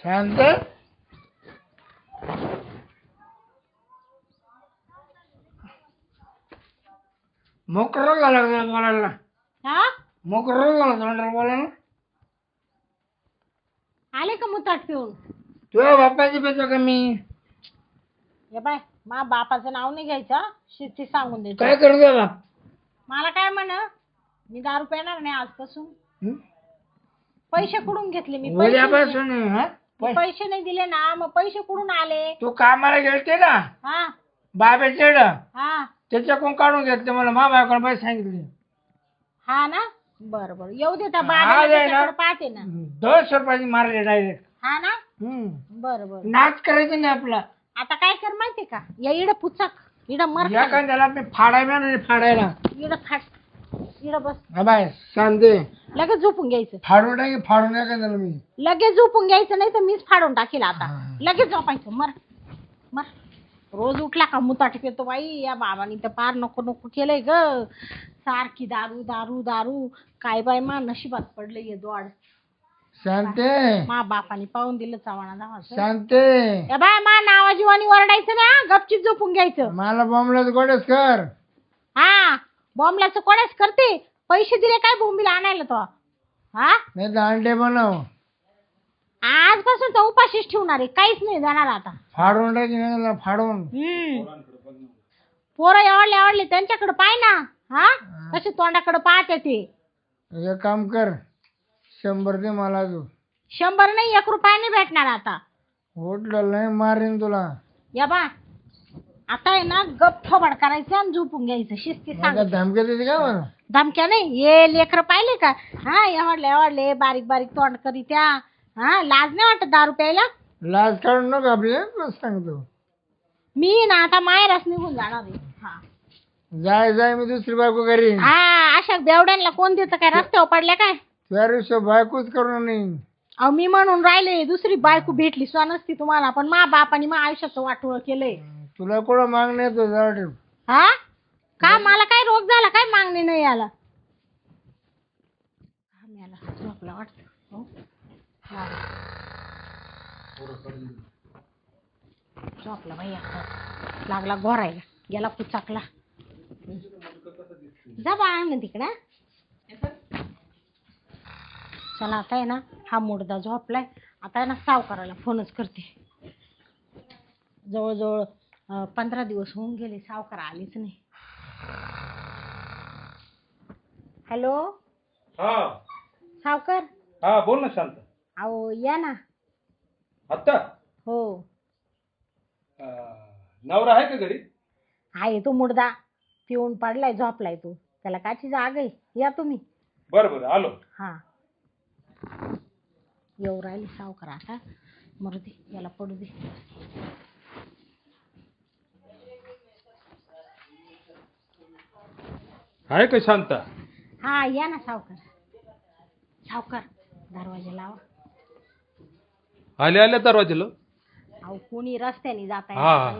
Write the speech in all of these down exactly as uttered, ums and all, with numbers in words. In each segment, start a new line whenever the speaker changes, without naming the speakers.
शांत मोकर झाला बोलायला
हा
मोकर झाला तोंडाला बोलायला.
आले का मुताट पिऊन?
तुझ्या बापाची पेतो का मी?
हे बाय मा बापाचं नाव नाही घ्यायचं, शिस्ती सांगून द्यायचं.
काय करू द्या बाप?
मला काय म्हण, मी दारू पेणार नाही आजपासून.
हं?
पैसे कुठून घेतले मी? पैसे
उद्यापासून हा?
मी पैसे नाही दिले ना, मग पैसे कुठून आले?
तू कामाला गेलते ना
हा
बाबेचे
हा
त्याच्याकडून काढून घेतले. मला मा बायकोने पैसे सांगितले.
हा ना, बरं बरं येऊ दे. त्या
आज
बाबाला
आहे ना.
त्याच्याकडे पाहते ना.
दस रुपयाची मारले डायरेक्ट.
हा ना, बरं बरं.
नाच करायचं नाही आपला.
आता काय कर माहितीये का, या इड पुचक इड मर
या कांद्याला मी फाडायला नाही फाडायला.
इड फाट इड बस.
हा बाय सांगते
लगेच झोपून घ्यायचं.
फाडून टाकी फाडून या कांद्याला मी.
लगेच झोपून घ्यायचं, नाही तर मीच फाडून टाकील आता.
हा.
लगेच झोपायचं. मर मर. रोज उठला का मुताट पेतो बाई. या बाबांनी तर पार नको नको केलंय ग. सारखी दारू दारू दारू. काय बाय मा नशिबात पडलं ये द्वाड.
शांते
मा बापाने पाहून दिलं चव्हाणा धावाचं.
शांते
या बाय मा नावाजीवानी वरडायचं ना, गपचीप झोपून घ्यायचं.
मला बॉम्बलाच गोडेच कर.
हा बॉम्बलाचं कोणाच करते. पैसे दिले काय बोंबीला आणायला तो? हा
नाही तर अंडे बनव.
आजपासून तर उपाशीच ठेवणार आहे, काहीच नाही देणार आता.
फाडून टाकी ना फाडून.
हम्म पोरं एवढले एवढले त्यांच्याकडे पाय ना. हा कसे तोंडाकडे पाहते ते.
एक काम कर शंभर दे मला तू.
शंभर नाही एक रुपया नाही भेटणार आता.
उठलं नाही मारीन तुला.
या बा आता आहे ना, गप थोबाड करायचं आणि झोपून घ्यायचं. शिस्ती सांग.
मला धमक्या देते का मला?
धमक्या नाही, ये लेकर पाहिले का? हा एवढले एवढले बारीक बारीक तोंड करी त्या. हा लाज नाही वाटत दारू प्यायला?
लाज काढू नको आपली. बस सांगतो
मी ना आता माहेरच निघून जाणार आहे. हा
जाय जाय मी दुसरी बायको घरी.
हा अशा बेवड्यांना कोण देतं काय? रस्त्यावर पडल्या काय?
त्या दिवशी बायकोच करू नाही.
अहो मी म्हणून राहिले दुसरी बायको भेटली सो नसती तुम्हाला, पण मा बापाने मा आयुष्याचं वाटोळ केलंय.
तुला कुठं मागणं येतो जाऊ ठेव.
हा का मला काय रोग झाला काय? मागणी नाही आला. मला झोपला वाटतं. हो? झोपला बाई आता. लागला घोरायला, गेला पुचाकला. जा बाळा ना तिकडं. चला आता आहे ना, हा मुडदा झोपलाय. आता आहे ना सावकाराला फोनच करते. जवळजवळ अं, पंधरा दिवस होऊन गेले, सावकार आलीच नाही. हॅलो
हा
सावकार.
हा बोल ना शांत.
अहो या ना.
आत्ता
हो
अं, नवरा आहे का घरी?
आहे तो मुडदा पिऊन पडलाय, झोपलाय तो. त्याला काची जाग आहे. या तुम्ही.
बरं बरं आलो.
हा येऊ राहिली सावकार आता. मरू दे याला पडू दे.
आहे का शांत?
हा या ना सावकार. सावकार दरवाजा लावा.
आले आले दरवाजेला.
अहो कोणी रस्त्याने जात
हा.
आहे.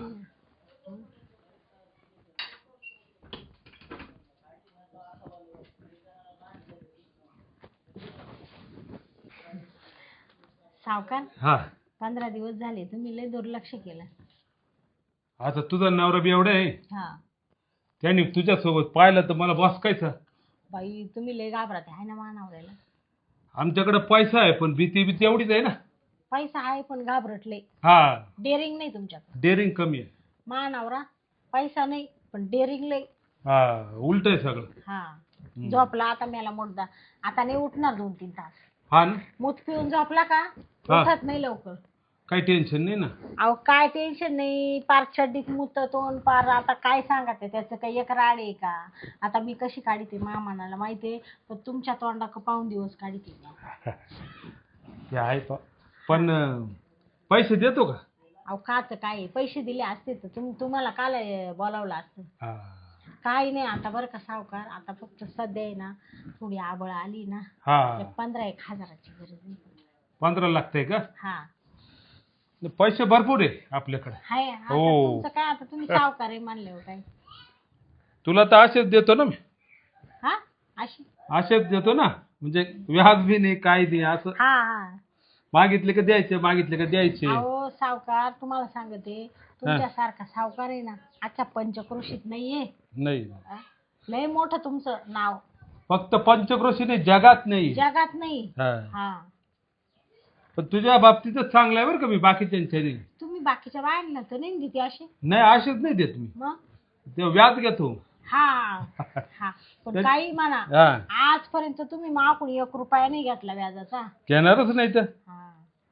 सावकार
हा
पंधरा दिवस झाले तुम्ही लय दुर्लक्ष केलं.
आता तुझा नवरा बी एवढा आहे,
हा
त्याने तुझ्यासोबत पाहिलं तर मला बसकायचं.
बाई तुम्ही लय घाबरत आहे ना मानावऱ्याला.
आमच्याकडे पैसा आहे पण भीती भीती एवढीच आहे ना.
पैसा आहे पण घाबरटले.
हा
डेअरिंग नाही तुमच्याकडे.
डेअरिंग कमी आहे.
मानावरा पैसा नाही पण डेअरिंग लय.
हा उलट आहे सगळं.
हा झोपला आता मेला मुडदा. आता नाही उठणार दोन तीन तास.
हा ना.
मूत पिऊन झोपला का उठत नाही लवकर.
काही टेन्शन नाही ना.
अहो काय टेन्शन नाही. पार चड्डीत मुततोन पार. आता काय सांगा ते त्याचं काही एक राड आहे का? आता मी कशी काढते मामानाला माहितीये, पण तुमच्या तोंडाक पाहून दिवस काढते.
ते आहे प- पण अं, पैसे देतो का?
अहो काच काय आहे, पैसे दिले असते तर तुम तुम्हाला काल बोलावलं असतं.
हा
काही नाही आता बरं का सावकार. आता फक्त सध्या आहे ना थोडी आबळ आली ना,
हा
पंधरा एक हजाराची गरज आहे.
पंधरा लागतंय का?
हा
पैसे भरपूर आहे आपल्याकडे.
हाय. आता
हो.
तुमचं काय, आता तुम्ही सावकार आहे म्हणल्यावर काय.
तुला तर असेच देतो ना मी.
हा अशी.
असेच देतो ना, म्हणजे व्याज बी नाही काही नाही असं.
हा हा
मागितले का द्यायचे मागितले का द्यायचे.
अहो सावकार तुम्हाला सांगते तुमच्यासारखा सावकार आहे ना आजच्या पंचक्रोशीत नाहीये.
नाही
हा? लय मोठं तुमचं नाव
फक्त पंचक्रोशीने जगात नाही.
जगात नाही.
हा.
हा
पण तुझ्या बाबतीतच चांगलं आहे बरं का मी बाकीच्यांच्या नाही.
तुम्ही बाकीच्या बायांना तर नाही देते असे.
नाही असेच नाही देत मी.
मग
ते व्याज घेतो.
हा हा पण काही म्हणा
हा
आजपर्यंत तुम्ही मागून एक रुपया नाही घेतला व्याजाचा.
घेणारच नाही तर.
हा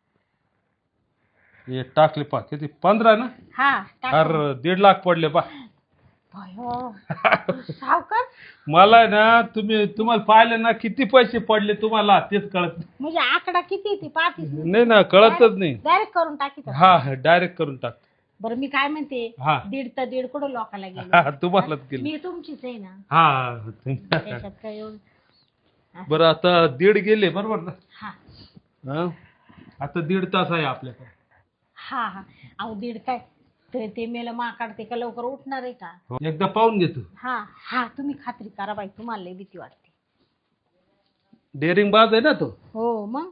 हे टाकले पा किती पंधरा ना.
हा टाका.
अरे दीड लाख पडले पा.
भयो. सावकार
मला आहे ना तुम्ही तुम्हाला पाहिलं ना किती पैसे पडले तुम्हाला तेच कळत नाही.
म्हणजे आकडा किती ती पाहतीस
नाही ना कळतच नाही.
डायरेक्ट करून टाकी तर.
हा डायरेक्ट करून टाक.
बरं मी काय म्हणते
हा.
दीड तर दीड कुठं लोकाला गेले.
हा, तुम्हालाच केलं.
मी तुमचीच आहे ना
हा
त्याच्यात काय एवढं.
बरं आता दीड गेले बरोबर ना.
हा
हा? आता दीड तास आहे आपल्याकडे.
हा हा अहो दीड काय ते ते मेलं मा काढते का लवकर उठणार आहे का.
हो. एकदा पाहून घेतो.
हा हा तुम्ही खात्री करा बाई तुम्हाला लई भीती वाटते.
डेअरिंग बाज आहे ना तो.
हो मग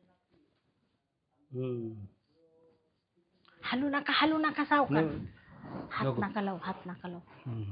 हम्म.
हलू नका हलू नका सावकार. हात
नको.
नका लावू हात नका लावू.
हम्म.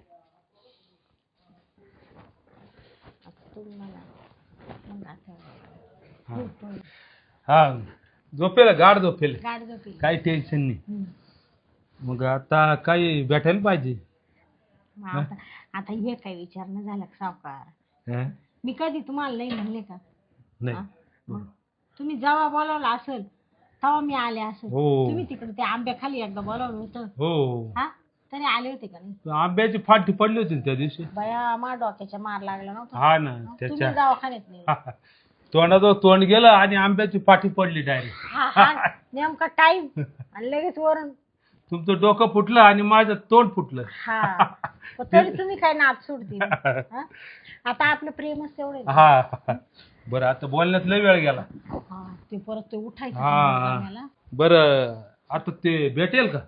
आता तुम्ही मला मग आता
हा.
झोपून.
हा झोपेल गाड झोपेल
गाड झोपी.
काही टेन्शन नाही.
हम्म.
मग आता काही भेटायला पाहिजे.
मग आता आता हे काय विचारणं झालं का सावकार.
हा?
मी कधी तुम्हाला नाही म्हणले का.
नाही.
हा? मग तुम्ही जेव्हा बोलावलं असेल तेव्हा मी आले असेल.
हो.
तुम्ही तिकडे त्या आंब्याखाली एकदा बोलावलं होतं
हो
हा तरी आले होते का नाही.
आंब्याची फाटी पडली होती ना त्या दिवशी.
बया मा डोक्याच्या मार लागला नव्हता.
हा ना
तुम्ही
त्याच्या
दवाखान्यात नाही.
तोंडाचं तोंड गेलं आणि आंब्याची फाटी पडली डायरेक्ट.
हा हा नेमका टाइम आणि लगेच वरून.
तुमचं डोकं फुटलं आणि माझं तोंड फुटलं.
हा पण तरी तुम्ही काय नाद सोडते. आता आपलं प्रेमच तेवढे.
हा बरं आता बोलण्यात लय वेळ गेला.
हा ते परत ते उठायचं
हा.
मला.
बरं आता ते भेटेल का.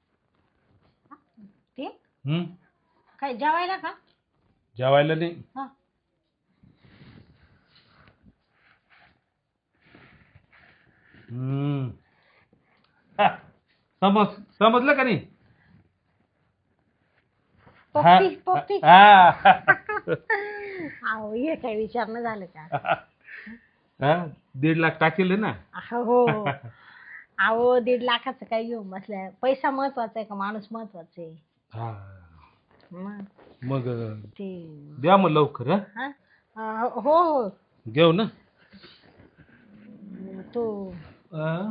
ते
हम्म
काय जेवायला का.
जेवायला नाही.
हा
हम्म हा, समज समजलं का नाही.
पोपटी पोपटी.
हा.
अहो हे काय विचारणं झालं का.
हा, दीड लाख टाकेल ना.
हो अहो दीड लाखाचं काय घेऊन बसल्या. पैसा महत्वाचा आहे का माणूस महत्वाचा आहे.
हा
मग
मग
ते
द्या मग लवकर. हा
हा अं, हो हो
घेऊ ना.
तो
हा?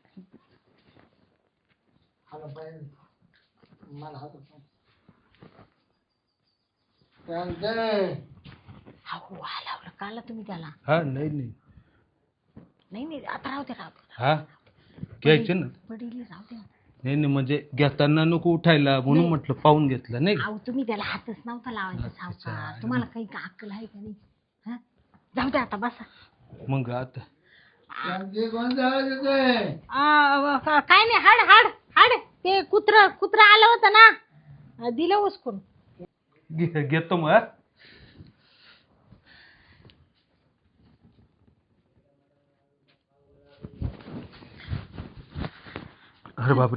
अहो हलावलं काला तुम्ही त्याला.
हा नाही नाही
नाही नाही आता राहू दे राहू दे.
हा घ्यायचे ना.
पडीली राहू दे.
नाही नाही म्हणजे घेताना नको उठायला म्हणून म्हटलं पाहून घेतलं नाही.
अहो तुम्ही त्याला हातच नव्हता लावायचा सावकार. तुम्हाला काही का अक्कल आहे का नाही. हा जाऊ दे आता बसा.
मग आता
आ, काय नाही हाड हाड हाड ते कुत्र कुत्र आलं होतं ना दिलं उचकून.
घे- घेतो मग. हा? अरे बापरे.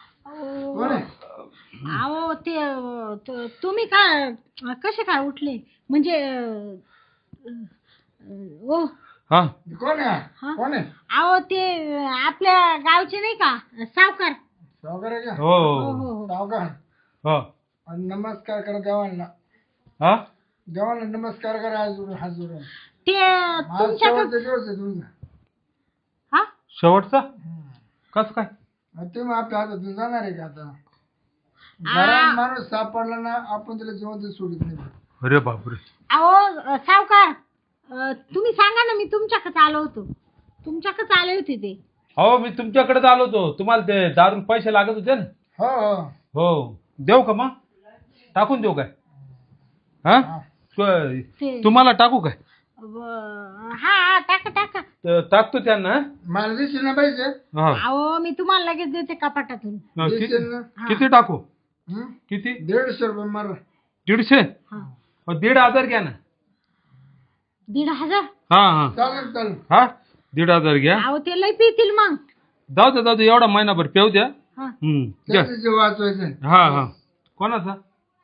अहो ते त- तुम्ही काय कसे काय उठले म्हणजे अं, ओ
हा
कोण आहे
हा?
कोण आहे
अहो ते आपल्या गावचे नाही का सावकार.
सावकार आहे का
हो
हो
हो
हो हो.
सावकार
हो.
आणि नमस्कार करा देवांना.
हा
देवांना नमस्कार करा हात जोडून हात जोडून.
ते
आज
तुमच्याकडे
शेवटचा दिवस आहे तुमचा.
हा
शेवटचा कस काय.
आणि तुम्ही आपल्या हातातून जाणार आहे का आता. घरात माणूस सापडला ना आपण त्याला जिवंत सोडित नाही.
अरे बापरे.
अहो सावकार अं, तुम्ही सांगा ना मी तुमच्याकडे आलो होतो. तुमच्याकडे आले होते ते.
हो मी तुमच्याकडेच आलो होतो. तुम्हाला ते दारून पैसे लागत होते ना.
हो हो
हो देऊ का मग टाकून देऊ काय. हा तु-
ते
तुम्हाला टाकू काय.
व- हा हा टाका टाका.
तर टाकतो त्यांना.
मला दिसेल ना पाहिजे.
हा
अहो मी तुम्हाला लगेच देते कपाटातून.
हा, कि-
दिसेल ना.
किती टाकू.
हं?
किती.
दीडशे रुपये मार.
दीडशे.
हा
मग दीड हजार घ्या ना.
दीड हजार.
हा हा
चालेल चालेल.
हा दीड हजार घ्या.
अहो ते लय पितील मग.
जाऊ दे जाऊ दे एवढा महिनाभर पेऊ द्या.
हा.
हम्म घ्या.
त्याचं जीव वाचवायचं.
हा हा कोणाचा?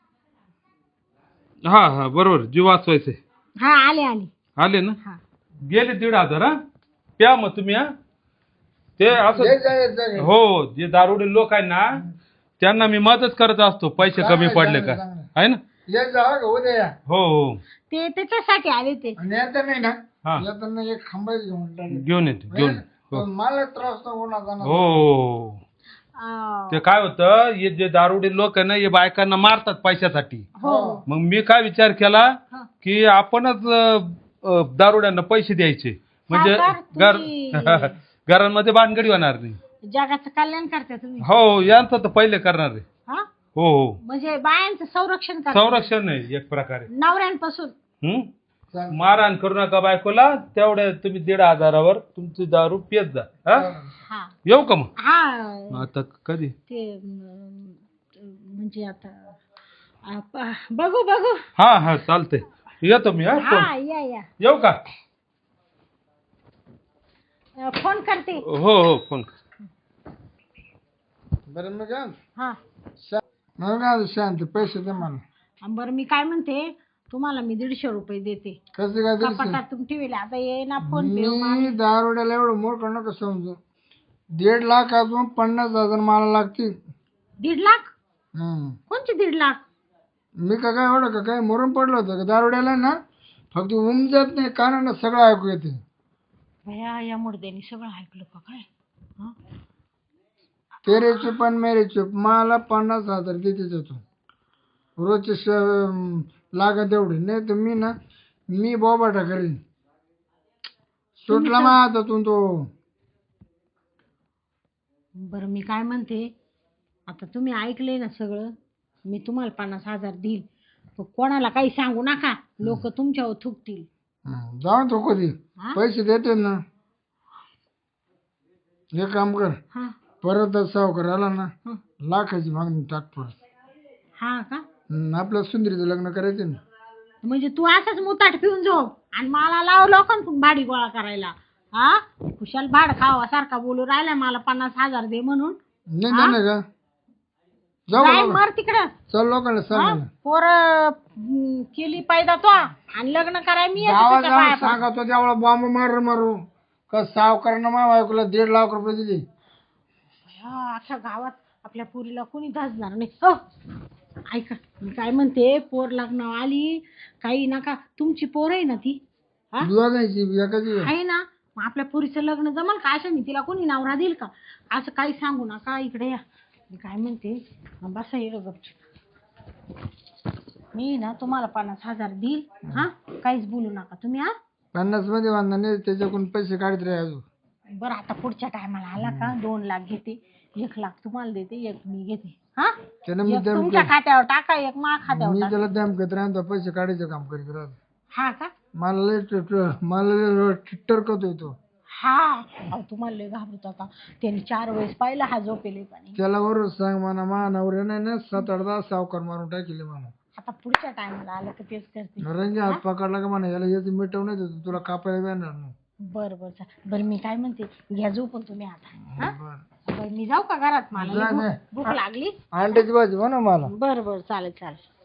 हा हा बरोबर जीव वाचवायचे.
हा आले आले.
आले ना.
हा.
गेले दीड हजार. हा प्या मग तुम्ही. हा ते असं
ये जा, ये जा, ये.
हो जे दारुडे लोक आहे ना त्यांना मी मदत करत असतो पैसे कमी
चांगलं,
पडले का
चांगलं,
आहे ना.
ये जा का उद्या या.
हो हो
ते त्याच्यासाठी आले ते.
आणि आता नाही ना
हा
येताना एक खांबाच घेऊन टाकले.
घेऊन येतो घेऊन हो
पण मला त्रास नको होणार जाणार.
हो.
अं,
ते काय होतं हे जे दारुडे लोक आहे ना हे बायकांना मारतात पैशासाठी.
हो.
मग मी काय विचार केला
हा.
की आपणच अं, अं, दारुड्यांना पैसे द्यायचे म्हणजे
सावकार,
घर
तुम्ही-
घरांमध्ये भानगडी होणार नाही.
जगाचं कल्याण करता तुम्ही.
हो यांचं तर पहिले करणार आहे.
हा
हो हो
म्हणजे बायांचं संरक्षण करता
संरक्षण आहे एक प्रकारे.
नवऱ्यांपासून.
हम्म
चालेल.
मारहाण करू नका बायकोला. तेवढ्या तुम्ही दीड हजारावर तुमची दारू पित जा. हा
हा
येऊ का मग
हा
आता कधी?
ते अं, म्हणजे आता अं, प- बघू बघू.
हा हा चालतंय येतो मी. हा
हा
फोन
या या
येऊ का?
अं, फोन करते.
हो हो फोन.
बरं मग काय
हा
शा- मग काय शांत पैसे दे मला.
अं, बरं मी काय म्हणते तुम्हाला मी दीडशे रुपये देते.
कसं काय दिलं
कपाटात तुम्ही ठेवले आता ये ना फोन पे
मी दारुड्याला एवढं मोठ नका समजू. दीड लाख अजून पन्नास हजार मला लागतील.
दीड लाख.
हम्म.
कोणचे दीड लाख?
मी का काय एवढं का काय मरून पडलं होतं का दारुड्याला ना फक्त उमजत नाही कानानं सगळं ऐकू येते.
भया या मुर्द्यानी सगळं ऐकलं का काय? हं?
तेरे चुप आणि मेरे चुप मला पन्नास हजार देते तू रोजचे श- लागत एवढी नाही तर मी ना मी बोबाटा करीन. सुटला मा हातातून तो.
बरं मी काय म्हणते आता तुम्ही ऐकले ना सगळं. मी तुम्हाला पन्नास हजार देईल पण कोणाला काही सांगू नका. लोक तुमच्यावर थुकतील.
हं, जाऊन तो कधी
हा?
पैसे देते ना. हे काम कर
हा
परत सावकार आला ना
हं.
लाखाची मागणी टाक परत.
हा का
हं, आपल्या सुंदरीचं लग्न करायचे ना.
म्हणजे तू असंच मुताट पिऊन झोप आणि मला लाव लोकांकडून भाडी गोळा करायला. हा कुशाल भाड खावा सारखा बोलू राहिला मला पन्नास हजार दे म्हणून.
नाही नाही का जाऊ
काय
बाबा.
मर तिकडं.
चल लोकांना सांगा ना.
पोर केली पाहिजे तो आणि लग्न कराय मी येते
गावात
त्याच्या
जाऊन
पाया पडून.
सांगा तो त्यावेळा बॉम्ब मारू मारू का सावकारानं मा बायकोला दीड लाख रुपये दिले.
हा, अख्ख्या गावात आपल्या पोरीला कोणी धाजणार नाही. हो ऐका मी काय म्हणते पोर लग्न आली काही नका. तुमची पोर आहे ना ती हा
दोघांची एकाची
आहे ना मग आपल्या पोरीचं लग्न जमल का? अशा तिला कोणी नवरा देईल का? असं काही सांगू नका. इकडे या. मी काय म्हणते बसा येडं गपचूप. मी ना तुम्हाला पन्नास हजार देईल. हा काहीच बोलू नका तुम्ही. हा
पन्नास मध्ये बांधला नाही त्याच्याकडून पैसे काढत राहा अजून.
बरं आता पुढच्या टायमाला आला का दोन लाख घेते. एक लाख तुम्हाला देते एक मी घेते. हा
त्यानं मी
एक
दम
तुमच्या खात्यावर टाका एक मा खात्यावर
मी
टाका.
त्याला दमकत राहतो पैसे काढायचं काम करीत राहतो.
हा का
मला लय ट- ट- मला लय टरकतोय तो.
हा अहो, तुम्हाला लय घाबरत होता. त्यांनी चार वेळेस पाहिला हा झोपेले पाणी.
त्याला बरोबर सांग म्हणा मा नवऱ्या नाही ना सात आठ दहा सावकार मारून टाकले म्हणा.
आता पुढच्या टायमाला आलं का तेच करते.
रंगे हात पकडला का म्हणा याला याचं मिटव नाही देतो तुला कापायला येणार नाही.
बरं बरं चा- बरं मी काय म्हणते घ्या झोपून तुम्ही आता. हा
बरं.
बरं मी जाऊ का घरात मला
जा,
लय
जा.
भूक भूक लागली.
अंड्याची भाजी म्हणा मला.
बरं बरं चालेल चालेल.